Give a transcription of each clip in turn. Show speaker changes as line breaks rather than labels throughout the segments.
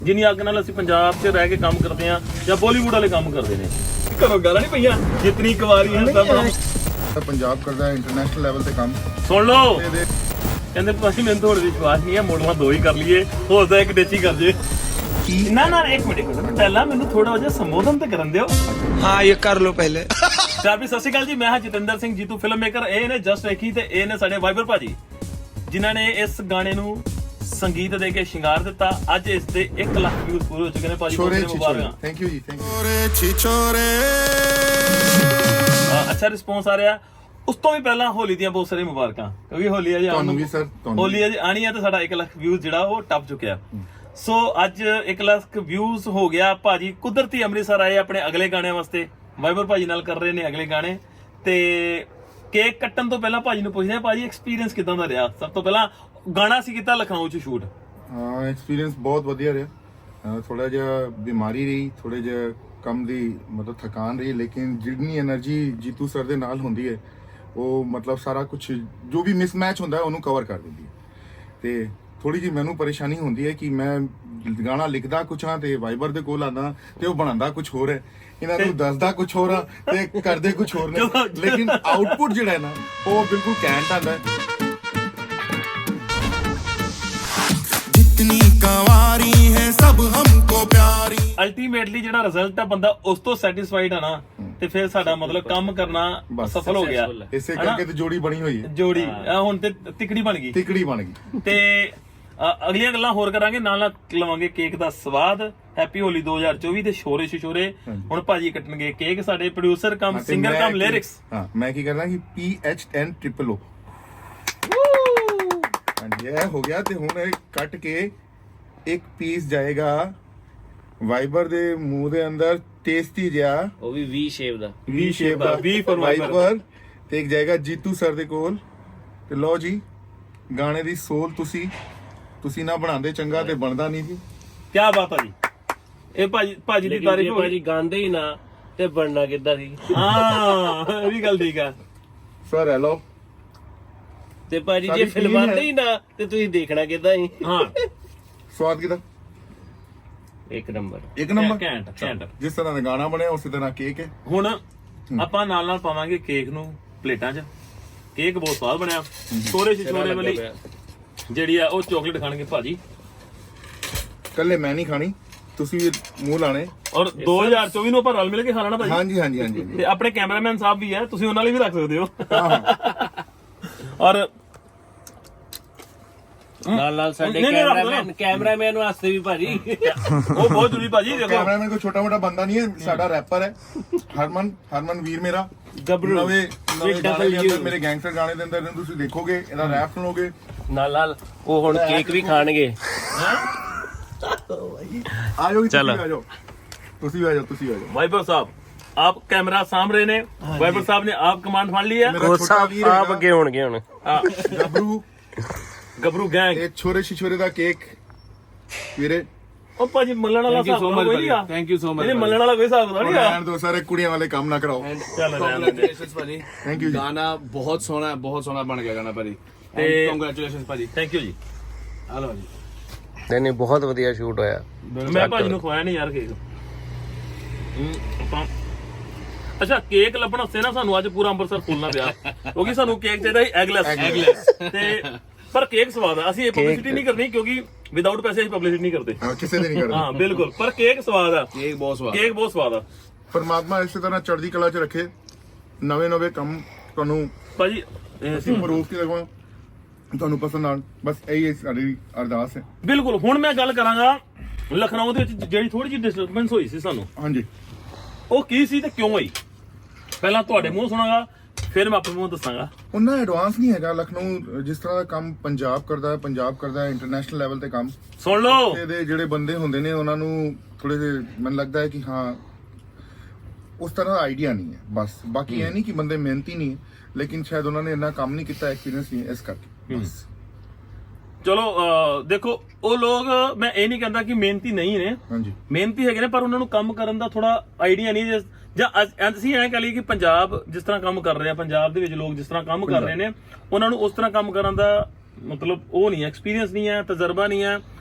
ਜਿੰਨੀ ਅੱਗ ਨਾਲ ਅਸੀਂ ਪੰਜਾਬ 'ਚ ਰਹਿ ਕੇ ਕੰਮ ਕਰਦੇ ਆ ਜਾਂ ਬਾਲੀਵੁੱਡ ਵਾਲੇ ਕੰਮ ਕਰਦੇ ਨੇ ਘਰੋਂ ਗਾਲਾਂ ਨਹੀਂ ਪਈਆਂ ਜਿਤਨੀ ਕੁਵਾਰੀ ਹੈ ਸਭ
ਪੰਜਾਬ ਕਰਦਾ ਇੰਟਰਨੈਸ਼ਨਲ ਲੈਵਲ ਤੇ ਕੰਮ
ਸੁਣ ਲਓ ਕਹਿੰਦੇ ਭਾਜੀ ਮੈਨੂੰ ਥੋੜਾ ਵਿਸ਼ਵਾਸ ਨਹੀਂ ਹੈ ਮੋੜਵਾ ਦੋ ਹੀ ਕਰ ਲਈਏ ਹੋ ਸਕਦਾ ਇੱਕ ਡੇਚੀ ਕਰ ਜੇ ਨਾ ਇੱਕ ਮਿੰਟ ਪਹਿਲਾਂ ਮੈਨੂੰ ਥੋੜਾ ਜਿਹਾ ਸੰਬੋਧਨ ਤੇ ਕਰਨ ਦਿਓ
हाँ ये कर लो पहले
ਸਤਿ ਸ਼੍ਰੀ ਅਕਾਲ ਜੀ, ਮੈਂ ਹਾਂ ਜਤਿੰਦਰ ਸਿੰਘ ਜੀਤੂ ਫਿਲਮ ਮੇਕਰ। ਇਹ ਨੇ ਜਸਟ ਵੇਖੀ ਤੇ ਇਹ ਨੇ ਸਾਡੇ ਵਾਈਬਰ ਭਾਜੀ ਜਿਨ੍ਹਾਂ ਨੇ ਇਸ ਗਾਣੇ ਨੂੰ ਸੰਗੀਤ ਦੇ ਕੇ ਸ਼ਿੰਗਾਰ ਦਿੱਤਾ। ਅੱਜ ਇਸ ਦੇ 1 ਲੱਖ ਵਿਊਜ਼ ਪੂਰੇ ਹੋ ਚੁੱਕੇ ਨੇ ਭਾਜੀ। ਮੁਬਾਰਕਾਂ।
ਥੈਂਕ ਯੂ ਜੀ, ਥੈਂਕ ਯੂ।
ਅੱਛਾ ਰਿਸਪੌਂਸ ਆ ਰਿਹਾ। ਉਸ ਤੋਂ ਵੀ ਪਹਿਲਾਂ ਹੋਲੀ ਦੀਆਂ ਬਹੁਤ ਸਾਰੀਆਂ ਮੁਬਾਰਕਾਂ, ਕਿਉਂਕਿ ਹੋਲੀ ਅਜੇ
ਤੁਹਾਨੂੰ ਵੀ ਸਰ,
ਹੋਲੀ ਅਜੇ ਆਣੀ ਹੈ ਤੇ ਸਾਡਾ 1 ਲੱਖ ਵਿਊਜ਼ ਜਿਹੜਾ ਉਹ ਟੱਪ ਚੁੱਕਿਆ। ਸੋ ਅੱਜ 1 ਲੱਖ ਵਿਊਜ਼ ਹੋ ਗਿਆ। ਭਾਜੀ ਕੁਦਰਤੀ ਅੰਮ੍ਰਿਤਸਰ ਆਏ ਆਪਣੇ ਅਗਲੇ ਗਾਣੇ ਵਾਸਤੇ, ਵਾਈਬਰ ਭਾਜੀ ਨਾਲ ਕਰ ਰਹੇ ਨੇ ਅਗਲੇ ਗਾਣੇ। ਤੇ ਕੇਕ ਕੱਟਣ ਤੋਂ ਪਹਿਲਾਂ ਭਾਜੀ ਨੂੰ ਪੁੱਛਦੇ ਆ, ਭਾਜੀ ਐਕਸਪੀਰੀਅੰਸ ਕਿਦਾਂ ਦਾ ਰਿਹਾ? ਸਭ ਤੋਂ ਪਹਿਲਾਂ ਗਾਣਾ ਸੀ ਕੀਤਾ ਲਖਨਊ 'ਚ ਸ਼ੂਟ।
ਹਾਂ, ਐਕਸਪੀਰੀਅੰਸ ਬਹੁਤ ਵਧੀਆ ਰਿਹਾ। ਥੋੜਾ ਜਿਹਾ ਬਿਮਾਰੀ ਰਹੀ, ਥੋੜੇ ਜਿਹਾ ਕੰਮ ਦੀ ਮਤਲਬ ਥਕਾਨ ਰਹੀ, ਲੇਕਿਨ ਜਿੰਨੀ એનર્ਜੀ ਜੀਤੂ ਸਰ ਦੇ ਨਾਲ ਹੁੰਦੀ ਹੈ ਉਹ ਮਤਲਬ ਸਾਰਾ ਕੁਝ ਜੋ ਵੀ ਮਿਸਮੈਚ ਹੁੰਦਾ ਉਹਨੂੰ ਕਵਰ ਕਰ ਦਿੰਦੀ ਹੈ। ਤੇ ਥੋੜੀ ਜਿਹੀ ਮੈਨੂੰ ਪਰੇਸ਼ਾਨੀ ਹੁੰਦੀ ਹੈ ਕਿ ਮੈਂ ਗਾਣਾ ਲਿਖਦਾ ਕੁਛ ਹਾਂ ਤੇ ਵਾਈਬਰ ਦੇ ਕੋਲ ਆਉਂਦਾ ਤੇ ਉਹ ਬਣਾਉਂਦਾ ਕੁਛ ਹੋਰ ਹੈ, ਇਹਨਾਂ ਨੂੰ ਦੱਸਦਾ ਕੁਛ ਹੋਰ ਆ ਤੇ ਕਰਦੇ ਕੁਛ ਹੋਰ ਨੇ, ਲੇਕਿਨ ਆਊਟਪੁੱਟ ਜਿਹੜਾ ਹੈ ਨਾ ਉਹ ਬਿਲਕੁਲ ਕੈਂਟ ਆਉਂਦਾ ਹੈ।
जितनी कंवारी है सब हमको प्यारी।
ਅਲਟੀਮੇਟਲੀ ਜਿਹੜਾ ਰਿਜ਼ਲਟ ਆ ਬੰਦਾ ਉਸ ਤੋਂ ਸੈਟੀਸਫਾਈਡ ਆ ਨਾ, ਤੇ ਫਿਰ ਸਾਡਾ ਮਤਲਬ ਕੰਮ ਕਰਨਾ ਸਫਲ ਹੋ ਗਿਆ।
ਇਸੇ ਕਰਕੇ ਤੇ ਜੋੜੀ ਬਣੀ ਹੋਈ ਹੈ,
ਜੋੜੀ ਹੁਣ ਤੇ ਤਿਕੜੀ ਬਣ ਗਈ,
ਤਿਕੜੀ ਬਣ ਗਈ।
ਤੇ ਅਗਲੀਆਂ ਗੱਲਾਂ ਹੋਰ ਕਰਾਂਗੇ, ਨਾਲ ਨਾਲ ਲਵਾਂਗੇ ਕੇਕ ਦਾ ਸਵਾਦ। ਹੈਪੀ ਹੋਲੀ 2024 ਤੇ ਸ਼ੋਰੇ ਸ਼ਿਸ਼ੋਰੇ। ਹੁਣ ਭਾਜੀ ਕੱਟਣਗੇ ਕੇਕ, ਸਾਡੇ producer cum singer cum lyrics.
ਹਾਂ, ਮੈਂ ਕੀ ਕਰਦਾ ਕਿ PHNOO ਹਾਂਜੀ ਇਹ ਹੋ ਗਿਆ। ਤੇ ਹੁਣ ਇਹ ਕੱਟ ਕੇ ਇੱਕ ਪੀਸ ਜਾਏਗਾ ਵਾਈਬਰ ਦੇ ਮੂੰਹ ਦੇ ਅੰਦਰ, ਟੇਸਟੀ ਜਿਹਾ,
ਉਹ ਵੀ ਵੀ ਸ਼ੇਪ ਦਾ
V for
ਵਾਈਬਰ। ਤੇ ਇੱਕ ਜਾਏਗਾ ਜੀਤੂ ਸਰ ਦੇ ਕੋਲ। ਤੇ ਲਓ ਜੀ, ਗਾਣੇ ਦੀ ਸੋਲ ਤੁਸੀਂ ਨਾ ਬਣਾਉਂਦੇ ਚੰਗਾ ਤੇ ਬਣਦਾ ਨਹੀਂ ਜੀ।
ਕੀ ਬਾਤ ਆ ਜੀ। ਇਹ ਭਾਜੀ ਦੀ ਤਾਰੀਫ ਹੋ
ਭਾਜੀ ਗਾਉਂਦੇ ਹੀ ਨਾ ਤੇ ਬਣਨਾ ਕਿੱਦਾਂ ਸੀ।
ਹਾਂ ਇਹ ਵੀ ਗੱਲ ਠੀਕ ਆ
ਸਰ ਹੈਲੋ।
ਤੇ ਭਾਜੀ ਜੇ
ਸਾਡੀ
ਫਿਲਮਾਂਦੇ
team
ਹੀ ਨਾ ਤੇ ਤੁਸੀਂ ਦੇਖਣਾ ਕਿੱਦਾਂ ਸੀ।
ਹਾਂ
ਸਵਾਦ ਕਿਦਾ?
ਇੱਕ ਨੰਬਰ।
ਇੱਕ ਨੰਬਰ।
ਘੈਂਟ।
ਜਿਸ ਤਰ੍ਹਾਂ ਦਾ ਗਾਣਾ ਬਣਿਆ ਉਸੇ ਤਰ੍ਹਾਂ ਕੇਕ ਹੈ।
ਹੁਣ ਆਪਾਂ ਨਾਲ ਨਾਲ ਪਾਵਾਂਗੇ ਕੇਕ ਨੂੰ ਪਲੇਟਾਂ 'ਚ। ਕੇਕ ਬਹੁਤ ਸਵਾਦ ਬਣਿਆ। ਛੋਰੇ ਛੋਰੇ ਵਾਲੀ ਜਿਹੜੀ ਆ ਉਹ ਚਾਕਲੇਟ ਖਾਣਗੇ ਭਾਜੀ।
ਕੱਲੇ ਮੈਂ ਨਹੀਂ ਖਾਣੀ, ਤੁਸੀਂ ਵੀ ਮੂੰਹ ਲਾਣੇ।
ਔਰ 2024 ਨੂੰ ਆਪਾਂ ਰਲ ਮਿਲ ਕੇ ਖਾ ਲੈਣਾ ਭਾਜੀ।
ਹਾਂਜੀ ਹਾਂਜੀ ਹਾਂਜੀ
ਤੇ ਆਪਣੇ ਕੈਮਰਾਮੈਨ ਸਾਹਿਬ ਵੀ ਹੈ, ਤੁਸੀਂ ਉਹਨਾਂ ਲਈ ਵੀ ਰੱਖ ਸਕਦੇ ਹੋ। ਔਰ
ਨਾਲ ਸਾਡੇ ਕੈਮਰਾਮੈਨ ਵਾਸਤੇ ਵੀ ਭਾਜੀ
ਉਹ ਬਹੁਤ ਜ਼ਰੂਰੀ ਭਾਜੀ। ਦੇਖੋ
ਕੈਮਰਾਮੈਨ ਕੋਈ ਛੋਟਾ ਮੋਟਾ ਬੰਦਾ ਨਹੀਂ ਹੈ, ਸਾਡਾ ਰੈਪਰ ਹੈ ਹਰਮਨ ਵੀਰ ਮੇਰਾ।
ਗੱਭਰੂ
ਨਵੇਂ ਗਾਣੇ ਦੇ ਅੰਦਰ, ਮੇਰੇ ਗੈਂਗਸਟਰ ਗਾਣੇ ਦੇ ਅੰਦਰ ਤੁਸੀਂ ਦੇਖੋਗੇ, ਇਹਦਾ ਰੈਪ ਸੁਣੋਗੇ
ਨਾਲ ਉਹ ਹੁਣ ਕੇਕ ਵੀ ਖਾਣਗੇ।
ਆਜੋ ਚਲੋ, ਤੁਸੀਂ ਆ ਜਾਓ।
ਵਾਈਬਰ ਸਾਹਿਬ ਆਪ ਕੈਮਰਾ ਸਾਂਭ ਰਹੇ ਨੇ, ਵਾਈਬਰ ਸਾਹਿਬ ਨੇ ਆਪ ਕਮਾਂਡ ਫੜ ਲਈ ਹੈ।
ਮੇਰਾ ਛੋਟਾ ਵੀਰ
ਆਪ ਅੱਗੇ ਹੋਣਗੇ ਹੁਣ
ਗੱਭਰੂ
ਗੈਂਗ।
ਇਹ ਛੋਰੇ ਛਿਛੋਰੇ ਦਾ ਕੇਕ ਵੀਰੇ।
ਉਹ ਭਾਜੀ ਮੱਲਣ ਵਾਲਾ ਹਿਸਾਬ ਕੋਈ ਨਹੀਂ ਆ।
Thank you so much.
ਇਹ ਮੱਲਣ ਵਾਲਾ ਕੋਈ ਹਿਸਾਬ ਨਹੀਂ ਆ।
ਰਹਿਣ ਦੋ, ਸਾਰੇ ਕੁੜੀਆਂ ਵਾਲੇ ਕੰਮ ਨਾ ਕਰਾਓ।
ਚੱਲ
ਕੰਗ੍ਰੈਚੁਲੇਸ਼ਨਸ ਭਾਜੀ,
ਥੈਂਕ ਯੂ ਜੀ।
ਗਾਣਾ ਬਹੁਤ ਸੋਹਣਾ ਬਣ ਗਿਆ ਗਾਣਾ ਭਾਜੀ।
ਤੇ
ਕੰਗ੍ਰੈਚੁਲੇਸ਼ਨਸ ਭਾਜੀ।
ਥੈਂਕ ਯੂ ਜੀ।
ਹਲੋ ਜੀ।
ਨਹੀਂ ਬਹੁਤ ਵਧੀਆ ਸ਼ੂਟ ਹੋਇਆ।
ਮੈਂ ਭਾਜੀ ਨੂੰ ਖਵਾਇਆ ਨਹੀਂ ਯਾਰ ਕੇਕ। ਅੱਛਾ ਕੇਕ ਲੱਭਣ ਵਾਸਤੇ ਨਾ ਸਾਨੂੰ ਅੱਜ ਪੂਰਾ ਅੰਮ੍ਰਿਤਸਰ ਫੁੱਲਣਾ ਪਿਆ, ਕਿਉਂਕਿ ਸਾਨੂੰ ਕੇਕ ਚਾਹੀਦਾ ਸੀ ਐਗਲੈਸ। ਤੇ ਪਰ ਕੇਕ ਸਵਾਦ ਆ। ਅਸੀਂ ਇਹ ਪਬਲਿਸਿਟੀ ਨਹੀਂ ਕਰਨੀ, ਕਿਉਂਕਿ ਵਿਦਆਊਟ ਪੈਸੇ ਅਸੀਂ ਪਬਲਿਸਿਟੀ ਨਹੀਂ ਕਰਦੇ।
ਕਿਸੇ ਦੇ ਨਹੀਂ ਕਰਦੇ।
ਹਾਂ ਬਿਲਕੁਲ, ਪਰ ਕੇਕ ਸਵਾਦ ਆ।
ਕੇਕ ਬਹੁਤ ਸਵਾਦ
ਆ।
ਪਰਮਾਤਮਾ ਇਸੇ ਤਰ੍ਹਾਂ ਚੜ੍ਹਦੀ ਕਲਾ 'ਚ ਰੱਖੇ, ਨਵੇਂ ਕੰਮ ਤੁਹਾਨੂੰ
ਭਾਜੀ
ਅਸੀਂ ਪ੍ਰੂਫ ਕੀ ਲਗਵਾ ਤੁਹਾਨੂੰ ਪਸੰਦ ਆਉਣ, ਬਸ ਇਹੀ ਸਾਡੀ ਅਰਦਾਸ ਹੈ।
ਬਿਲਕੁਲ। ਹੁਣ ਮੈਂ ਗੱਲ ਕਰਾਂਗਾ ਲਖਨਊ ਦੇ ਵਿੱਚ ਜਿਹੜੀ ਥੋੜੀ ਜਿਹੀ ਡਿਸਟਰਬੈਂਸ ਹੋਈ ਸੀ ਸਾਨੂੰ,
ਹਾਂਜੀ
ਉਹ ਕੀ ਸੀ ਤੇ ਕਿਉਂ ਹੋਈ? ਪਹਿਲਾਂ ਤੁਹਾਡੇ ਮੂੰਹ ਸੁਣਾਂਗਾ, ਫਿਰ ਮੈਂ ਆਪਣੇ ਮੂੰਹ ਦੱਸਾਂਗਾ।
ਉਹਨਾਂ ਐਡਵਾਂਸ ਨਹੀਂ ਹੈਗਾ ਲਖਨਊ। ਜਿਸ ਤਰ੍ਹਾਂ ਦਾ ਕੰਮ ਪੰਜਾਬ ਕਰਦਾ ਹੈ ਇੰਟਰਨੈਸ਼ਨਲ ਲੈਵਲ ਤੇ ਕੰਮ।
ਸੁਣ ਲਓ,
ਇਹਦੇ ਜਿਹੜੇ ਬੰਦੇ ਹੁੰਦੇ ਨੇ ਉਹਨਾਂ ਨੂੰ ਥੋੜੇ ਜਿਹੇ ਮੈਨੂੰ ਲੱਗਦਾ ਹੈ ਕਿ ਹਾਂ ਉਸ ਤਰ੍ਹਾਂ ਦਾ ਆਈਡੀਆ ਨਹੀਂ ਹੈ ਬਸ। ਬਾਕੀ ਇਹ ਨਹੀਂ ਕਿ ਬੰਦੇ ਮਿਹਨਤੀ ਨਹੀਂ ਹੈ, ਲੇਕਿਨ ਸ਼ਾਇਦ ਉਹਨਾਂ ਨੇ ਇੰਨਾ ਕੰਮ ਨਹੀਂ ਕੀਤਾ, ਐਕਸਪੀਰੀਅੰਸ ਨਹੀਂ ਇਸ ਕਰਕੇ ਬਸ।
ਚਲੋ ਦੇਖੋ ਉਹ ਲੋਕ, ਮੈਂ ਇਹ ਨਹੀਂ ਕਹਿੰਦਾ ਕਿ ਮਿਹਨਤੀ ਨਹੀਂ ਨੇ,
ਹਾਂਜੀ
ਮਿਹਨਤੀ ਹੈਗੇ ਨੇ, ਪਰ ਉਹਨਾਂ ਨੂੰ ਕੰਮ ਕਰਨ ਦਾ ਥੋੜਾ ਆਈਡੀਆ ਨਹੀਂ। ਜਾਂ ਅਸੀਂ ਐਂ ਕਹ ਲਈਏ ਕਿ ਪੰਜਾਬ ਜਿਸ ਤਰ੍ਹਾਂ ਕੰਮ ਕਰ ਰਿਹਾ, ਪੰਜਾਬ ਦੇ ਵਿੱਚ ਲੋਕ ਜਿਸ ਤਰ੍ਹਾਂ ਕੰਮ ਕਰ ਰਹੇ ਨੇ, ਉਹਨਾਂ ਨੂੰ ਉਸ ਤਰ੍ਹਾਂ ਕੰਮ ਕਰਨ ਦਾ ਮਤਲਬ ਉਹ ਨਹੀਂ ਹੈ, ਐਕਸਪੀਰੀਅੰਸ ਨਹੀਂ ਹੈ, ਤਜਰਬਾ ਨਹੀਂ ਹੈ।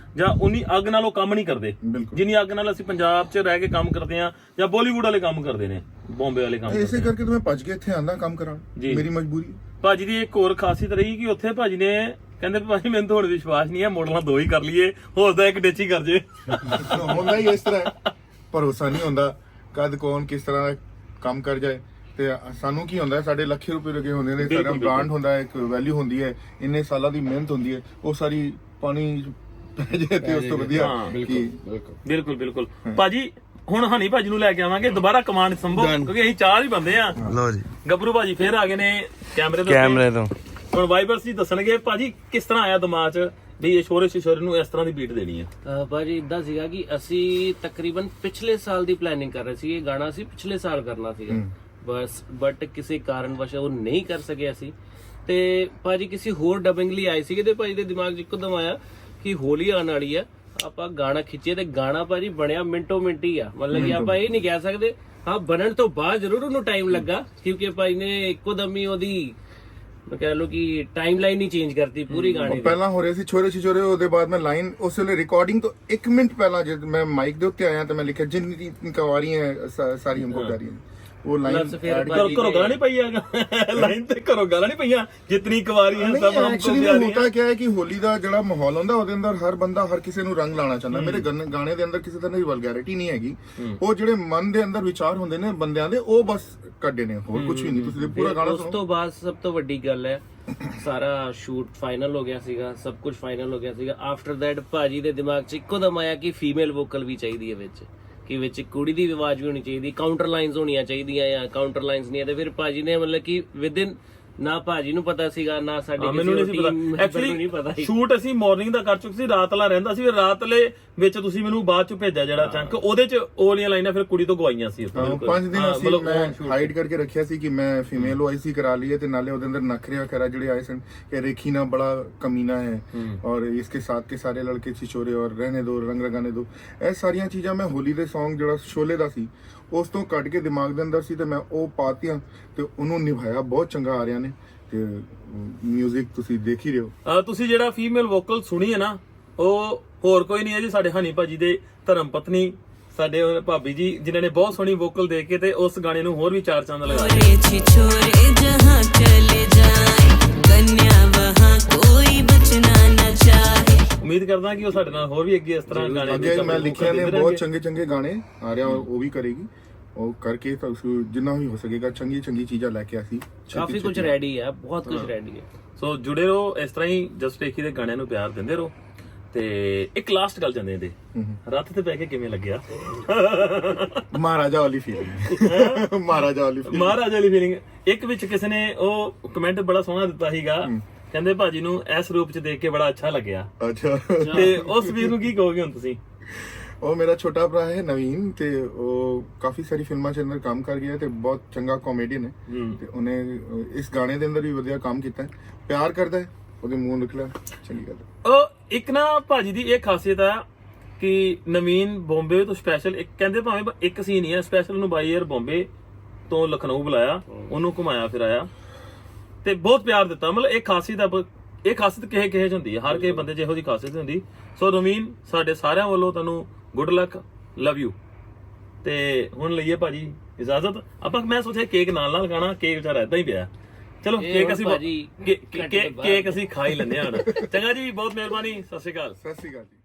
ਜਾਂ ਉਨੀ ਅੱਗ ਨਾਲ ਉਹ ਕੰਮ ਨਹੀਂ ਕਰਦੇ
ਬਿਲਕੁਲ।
ਜਿੰਨੀ ਅੱਗ ਨਾਲ ਅਸੀਂ ਪੰਜਾਬ 'ਚ ਰਹਿ ਕੇ ਕੰਮ ਕਰਦੇ ਆ ਜਾਂ ਬਾਲੀਵੁੱਡ ਵਾਲੇ ਕੰਮ ਕਰਦੇ ਨੇ, ਬੰਬੇ ਵਾਲੇ ਕੰਮ
ਇਸੇ
ਕਰਦੇ
ਕਰਕੇ ਤਾਂ ਮੈਂ ਭੱਜ ਕੇ ਇੱਥੇ ਆਂਦਾ ਕੰਮ ਕਰਾਉਣ,
ਜੀ।
ਮੇਰੀ ਮਜਬੂਰੀ।
ਭਾਜੀ ਦੀ ਇੱਕ ਹੋਰ ਖਾਸੀਅਤ ਰਹੀ ਕਿ ਉੱਥੇ ਭਾਜੀ ਨੇ ਕਹਿੰਦੇ ਵੀ ਭਾਜੀ ਮੈਨੂੰ ਤਾਂ ਹੁਣ ਵਿਸ਼ਵਾਸ ਨਹੀਂ ਹੈ, ਮੋਡਲਾਂ 2 ਹੀ ਕਰ ਲਈਏ, ਹੋ ਸਕਦਾ ਇੱਕ ਡੇਚੀ ਕਰ ਜੇ।
ਹੁੰਦਾ ਹੀ ਇਸ ਤਰ੍ਹਾਂ ਹੈ, ਭਰੋਸਾ ਨਹੀਂ ਹੁੰਦਾ ਕਦ ਕੌਣ ਕਿਸ ਤਰ੍ਹਾਂ ਕੰਮ ਕਰ ਜਾਏ। ਤੇ ਸਾਨੂੰ ਕੀ ਹੁੰਦਾ, ਸਾਡੇ ਲੱਖਾਂ ਰੁਪਏ ਲੱਗੇ ਹੁੰਦੇ ਨੇ, ਸਾਡਾ ਬ੍ਰਾਂਡ ਹੁੰਦਾ ਹੈ, ਇੱਕ ਵੈਲਿਊ ਹੁੰਦੀ ਹੈ, ਇੰਨੇ ਸਾਲਾਂ ਦੀ ਮਿਹਨਤ ਹੁੰਦੀ ਹੈ, ਉਹ ਸਾਰੀ ਪਾਣੀ ਪੈ ਜਾਏ ਤੇ ਉਸ ਤੋਂ ਵਧੀਆ ਕਿ
ਬਿਲਕੁਲ ਬਿਲਕੁਲ। ਭਾਜੀ ਹੁਣ ਹਨੀ ਭਾਜੀ ਨੂੰ ਲੈ ਕੇ ਆਵਾਂਗੇ ਦੁਬਾਰਾ ਕਮਾਂਡ ਸੰਭੋ, ਕਿਉਂਕਿ ਅਸੀਂ 4 ਹੀ ਬੰਦੇ ਆ।
ਲਓ ਜੀ
ਗੱਭਰੂ ਭਾਜੀ ਫੇਰ ਆ ਗਏ ਨੇ ਕੈਮਰੇ ਦੇ
ਕੈਮਰੇ ਤੋਂ।
ਹੁਣ ਵਾਈਬਰਸ ਜੀ ਦੱਸਣਗੇ ਭਾਜੀ ਕਿਸ ਤਰ੍ਹਾਂ ਆਇਆ ਦਿਮਾਗ 'ਚ ਵੀ ਇਹ ਸ਼ੋਰੇ ਸ਼ਿਸ਼ੋਰੇ ਨੂੰ ਇਸ ਤਰ੍ਹਾਂ ਦੀ ਬੀਟ ਦੇਣੀ ਹੈ।
ਭਾਜੀ ਇਦਾਂ ਸੀਗਾ ਕਿ ਅਸੀਂ ਤਕਰੀਬਨ ਪਿਛਲੇ ਸਾਲ ਦੀ ਪਲੈਨਿੰਗ ਕਰ ਰਹੇ ਸੀ, ਇਹ ਗਾਣਾ ਅਸੀਂ ਪਿਛਲੇ ਸਾਲ ਕਰਨਾ ਸੀਗਾ ਬਟ ਕਿਸੇ ਕਾਰਨਵਸ਼ ਉਹ ਨਹੀਂ ਕਰ ਸਕੇ ਅਸੀਂ। ਤੇ ਭਾਜੀ ਕਿਸੇ ਹੋਰ ਡਬਿੰਗ ਲਈ ਆਏ ਸੀਗੇ ਤੇ ਭਾਜੀ ਦੇ ਦਿਮਾਗ 'ਚ ਇੱਕਦਮ ਆਇਆ ਕਿ ਹੋਲੀ ਆਉਣ ਵਾਲੀ ਆ, ਆਪਾਂ ਗਾਣਾ ਖਿੱਚੀਏ। ਤੇ ਗਾਣਾ ਭਾਜੀ ਬਣਿਆ ਮਿੰਟੋ ਮਿੰਟ ਹੀ ਆ, ਮਤਲਬ ਕਿ ਆਪਾਂ ਇਹ ਨਹੀਂ ਕਹਿ ਸਕਦੇ, ਹਾਂ ਬਣਨ ਤੋਂ ਬਾਅਦ ਜ਼ਰੂਰ ਉਹਨੂੰ ਟਾਈਮ ਲੱਗਾ, ਕਿਉਂਕਿ ਭਾਈ ਨੇ ਇੱਕੋ ਦਮ ਹੀ ਉਹਦੀ ਮੈਂ ਕਹਿ ਲਓ ਕਿ ਟਾਈਮ ਲਾਈਨ ਹੀ ਚੇਂਜ ਕਰਤੀ ਪੂਰੀ ਗਾਣੇ ਦੀ।
ਪਹਿਲਾਂ ਹੋ ਰਿਹਾ ਸੀ ਛੋਰੇ ਛਿਛੋਰੇ, ਉਹਦੇ ਬਾਅਦ ਮੈਂ ਲਾਈਨ ਉਸ ਵੇਲੇ ਰਿਕਾਰਡਿੰਗ ਤੋਂ 1 ਮਿੰਟ ਪਹਿਲਾਂ ਜਦ ਮੈਂ ਮਾਈਕ ਦੇ ਉੱਤੇ ਆਇਆ ਤਾਂ ਮੈਂ ਲਿਖਿਆ ਜਿੰਨੀ ਕਵਾਰੀ ਹੈ ਸਾਰੀ ਹਮਕੋ ਜਾ ਰਹੀ ਹੈ, ਉਹ ਲਾਈਨ
ਘਰੋਂ ਗਾਲਾਂ ਨਹੀਂ ਪਈਆਂ, ਲਾਈਨ ਤੇ ਘਰੋਂ ਗਾਲਾਂ ਨਹੀਂ ਪਈਆਂ, ਜਿਤਨੀ ਕੁਵਾਰੀ ਹੈ ਸਭ ਹਮਕੋ
ਐਕਚੁਅਲੀ
ਪਿਆਰੀ
ਹੁੰਦਾ ਕੀ ਹੈ ਕਿ ਹੋਲੀ ਦਾ ਜਿਹੜਾ ਮਾਹੌਲ ਹੁੰਦਾ ਉਹਦੇ ਅੰਦਰ ਹਰ ਬੰਦਾ ਹਰ ਕਿਸੇ ਨੂੰ ਰੰਗ ਲਾਣਾ ਚਾਹੁੰਦਾ। ਮੇਰੇ ਗਾਣੇ ਦੇ ਅੰਦਰ ਕਿਸੇ ਤਰ੍ਹਾਂ ਦੀ ਵਲਗੈਰਿਟੀ ਨਹੀਂ ਹੈਗੀ, ਉਹ ਜਿਹੜੇ ਮਨ ਦੇ ਅੰਦਰ ਵਿਚਾਰ ਹੁੰਦੇ ਨੇ ਬੰਦਿਆਂ ਦੇ ਉਹ ਬਸ ਕੱਢੇ ਨੇ, ਹੋਰ ਕੁਝ ਵੀ ਨਹੀਂ। ਤੁਸੀਂ ਪੂਰਾ ਗਾਣਾ
ਉਸ ਤੋਂ ਬਾਅਦ ਸਭ ਤੋਂ ਵੱਡੀ ਗੱਲ ਹੈ ਸਾਰਾ ਸ਼ੂਟ ਫਾਈਨਲ ਹੋ ਗਿਆ ਸੀਗਾ, ਸਭ ਕੁਝ ਫਾਈਨਲ ਹੋ ਗਿਆ ਸੀਗਾ। ਆਫਟਰ ਦੈਟ ਭਾਜੀ ਦੇ ਦਿਮਾਗ 'ਚ ਇੱਕੋ ਦਮ ਆਇਆ ਕਿ ਫੀਮੇਲ ਵੋਕਲ ਵੀ ਚਾਹੀਦੀ ਹੈ ਵਿੱਚ, ਕਿ ਵਿੱਚ ਕੁੜੀ ਦੀ ਆਵਾਜ਼ ਵੀ ਹੋਣੀ ਚਾਹੀਦੀ, ਕਾਊਂਟਰ ਲਾਈਨਸ ਹੋਣੀਆਂ ਚਾਹੀਦੀਆਂ ਜਾਂ ਕਾਊਂਟਰ ਲਾਈਨਸ ਨਹੀਂ ਹੈ। ਤੇ ਫਿਰ ਭਾਜੀ ਨੇ ਮਤਲਬ ਕਿ ਵਿਦਿਨ ਨਾ ਭਾਜੀ ਨੂੰ ਪਤਾ ਸੀਗਾ ਨਾ ਸਾਡੇ
ਮੈਨੂੰ ਨਹੀਂ ਸੀ ਪਤਾ। ਐਕਚੁਅਲੀ ਸ਼ੂਟ ਅਸੀਂ ਮਾਰਨਿੰਗ ਦਾ ਕਰ ਚੁੱਕੇ ਸੀ, ਰਾਤ ਵਾਲਾ ਰਹਿੰਦਾ ਸੀ, ਫਿਰ ਰਾਤ ਵਾਲੇ ਵਿੱਚ ਤੁਸੀਂ ਮੈਨੂੰ ਬਾਅਦ ਚ ਭੇਜਿਆ ਜਿਹੜਾ ਚੰਕ, ਉਹਦੇ ਚ ਉਹ ਵਾਲੀਆਂ ਲਾਈਨਾਂ ਫਿਰ ਕੁੜੀ ਤੋਂ ਗਵਾਈਆਂ ਸੀ।
5 ਦਿਨ ਅਸੀਂ ਮੈਂ ਹਾਈਡ ਕਰਕੇ ਰੱਖਿਆ ਸੀ ਕਿ ਮੈਂ ਫੀਮੇਲ OIC ਕਰਾ ਲਈ ਹੈ, ਤੇ ਨਾਲੇ ਉਹਦੇ ਅੰਦਰ ਨਖਰੇ ਵਗੈरह ਜਿਹੜੇ ਆਏ ਸਨ ਕਿ रेखी ना बड़ा कमीना है और इसके साथ के सारे लड़के छिछोरे और रहने दो रंग रगाने दो, ਇਹ ਸਾਰੀਆਂ ਚੀਜ਼ਾਂ ਮੈਂ ਹੋਲੀ ਦੇ Song ਜਿਹੜਾ ਸ਼ੋਲੇ ਦਾ ਸੀ ਉਸ ਤੋਂ ਕੱਢ ਕੇ ਦਿਮਾਗ ਦੇ ਅੰਦਰ ਸੀ ਤੇ ਮੈਂ ਉਹ ਪਾਤੀਆਂ ਤੇ ਉਹਨੂੰ ਨਿਭਾਇਆ ਬਹੁਤ ਚੰਗਾ ਆ ਰਿਹਾ ਨੇ। ਤੇ ਮਿਊਜ਼ਿਕ ਤੁਸੀਂ ਦੇਖ ਹੀ ਰਹੇ ਹੋ।
ਤੁਸੀਂ ਜਿਹੜਾ ਫੀਮੇਲ ਵੋਕਲ ਸੁਣੀ ਹੈ ਨਾ, ਉਹ ਹੋਰ ਕੋਈ ਨਹੀਂ ਹੈ ਜੀ, ਸਾਡੇ ਹਨੀ ਭਾਜੀ ਦੇ ਧਰਮ ਪਤਨੀ ਸਾਡੇ ਭਾਬੀ ਜੀ, ਜਿਨ੍ਹਾਂ ਨੇ ਬਹੁਤ ਸੋਹਣੀ ਵੋਕਲ ਦੇ ਕੇ ਤੇ ਉਸ ਗਾਣੇ ਨੂੰ ਹੋਰ ਵੀ 4 ਚੰਦ ਲਗਾਏ।
छिछोरे जहाँ चले जाए कन्या वहाँ कोई बचना न चाहे।
ਉਮੀਦ ਕਰਦਾ ਕਿ ਉਹ ਸਾਡੇ ਨਾਲ ਹੋਰ ਵੀ ਅੱਗੇ ਇਸ ਤਰ੍ਹਾਂ ਗਾਣੇ
ਅੱਗੇ ਮੈਂ ਲਿਖਿਆ ਨੇ ਬਹੁਤ ਚੰਗੇ ਗਾਣੇ ਆ ਰਿਹਾ, ਉਹ ਵੀ ਕਰੇਗੀ, ਉਹ ਕਰਕੇ ਤਾਂ ਜਿੰਨਾ ਵੀ ਹੋ ਸਕੇਗਾ ਚੰਗੀ ਚੀਜ਼ਾਂ ਲੈ ਕੇ ਆਸੀ।
ਕਾਫੀ ਕੁਝ ਰੈਡੀ ਹੈ, ਬਹੁਤ ਕੁਝ ਰੈਡੀ ਹੈ।
ਸੋ ਜੁੜੇ ਰਹੋ ਇਸ ਤਰ੍ਹਾਂ ਹੀ, ਜਸਟ ਏਕੀ ਦੇ ਗਾਣਿਆਂ ਨੂੰ ਪਿਆਰ ਦਿੰਦੇ ਰਹੋ। ਤੇ ਇੱਕ ਲਾਸਟ ਗੱਲ ਜਾਂਦੇ ਇਹਦੇ, ਰੱਥ ਤੇ ਪੈ ਕੇ ਕਿਵੇਂ ਲੱਗਿਆ?
ਮਹਾਰਾਜਾ ਵਾਲੀ ਫੀਲਿੰਗ, ਮਹਾਰਾਜਾ ਵਾਲੀ
ਫੀਲਿੰਗ। ਇੱਕ ਵਿੱਚ ਕਿਸੇ ਨੇ ਉਹ ਕਮੈਂਟ ਬੜਾ ਸੋਹਣਾ ਦਿੱਤਾ ਸੀਗਾ, ਕਹਿੰਦੇ ਭਾਜੀ ਨੂੰ ਇਸ ਰੂਪ ਚ ਦੇਖ ਕੇ ਬੜਾ ਅੱਛਾ ਲੱਗਿਆ।
ਅੱਛਾ,
ਤੇ ਉਸ ਵੀਰ ਨੂੰ ਕੀ ਕਹੋਗੇ ਹੁਣ ਤੁਸੀਂ?
ਉਹ ਮੇਰਾ ਛੋਟਾ ਭਰਾ ਹੈ ਨਵੀਨ, ਤੇ ਉਹ ਕਾਫੀ ਸਾਰੀ ਫਿਲਮਾਂ 'ਚ ਅੰਦਰ ਕੰਮ ਕਰ ਗਿਆ ਤੇ ਬਹੁਤ ਚੰਗਾ ਕਾਮੇਡੀਅਨ ਹੈ, ਤੇ ਉਹਨੇ ਇਸ ਗਾਣੇ ਦੇ ਅੰਦਰ ਵੀ ਵਧੀਆ ਕੰਮ ਕੀਤਾ ਹੈ, ਪਿਆਰ ਕਰਦਾ ਹੈ, ਉਹਦੇ ਮੂੰਹ ਨਿਕਲਿਆ, ਚੰਗੀ ਗੱਲ ਹੈ।
ਉਹ ਇੱਕ ਨਾ ਭਾਜੀ ਦੀ ਇਹ ਖਾਸੀਅਤ ਆ ਕਿ ਨਵੀਨ ਬੰਬੇ ਤੋਂ ਸਪੈਸ਼ਲ ਇੱਕ ਕਹਿੰਦੇ ਭਾਵੇਂ ਇੱਕ ਸੀਨ ਹੀ ਹੈ, ਸਪੈਸ਼ਲ ਨੂੰ ਬਾਈ 에ਅਰ ਬੰਬੇ ਤੋਂ ਲਖਨਊ ਬੁਲਾਇਆ, ਉਹਨੂੰ ਘੁਮਾਇਆ ਫਿਰਾਇਆ ਤੇ ਬਹੁਤ ਪਿਆਰ ਦਿੱਤਾ। ਮਤਲਬ ਇਹ ਖਾਸੀਅਤ ਕਿਸੇ ਚ ਹੁੰਦੀ ਹੈ, ਹਰ ਕਿਸੇ ਬੰਦੇ 'ਚ ਇਹੋ ਜਿਹੀ ਖਾਸੀਅਤ ਹੁੰਦੀ। ਸੋ ਨਵੀਨ ਸਾਡੇ ਸਾਰਿਆਂ ਵੱਲੋਂ ਤੁਹਾਨੂੰ ਗੁੱਡ ਲੱਕ, ਲਵ ਯੂ। ਤੇ ਹੁਣ ਲਈਏ ਭਾਜੀ ਇਜਾਜ਼ਤ। ਆਪਾਂ ਮੈਂ ਸੋਚਿਆ ਕੇਕ ਨਾਲ ਖਾਣਾ, ਕੇਕ ਵਿਚਾਰਾ ਏਦਾਂ ਹੀ ਪਿਆ। ਚਲੋ ਕੇਕ ਅਸੀਂ ਖਾ ਹੀ ਲੈਂਦੇ ਹਾਂ। ਚੰਗਾ ਜੀ, ਬਹੁਤ ਮਿਹਰਬਾਨੀ, ਸਤਿ ਸ਼੍ਰੀ ਅਕਾਲ।
ਸਤਿ ਸ਼੍ਰੀ ਅਕਾਲ ਜੀ।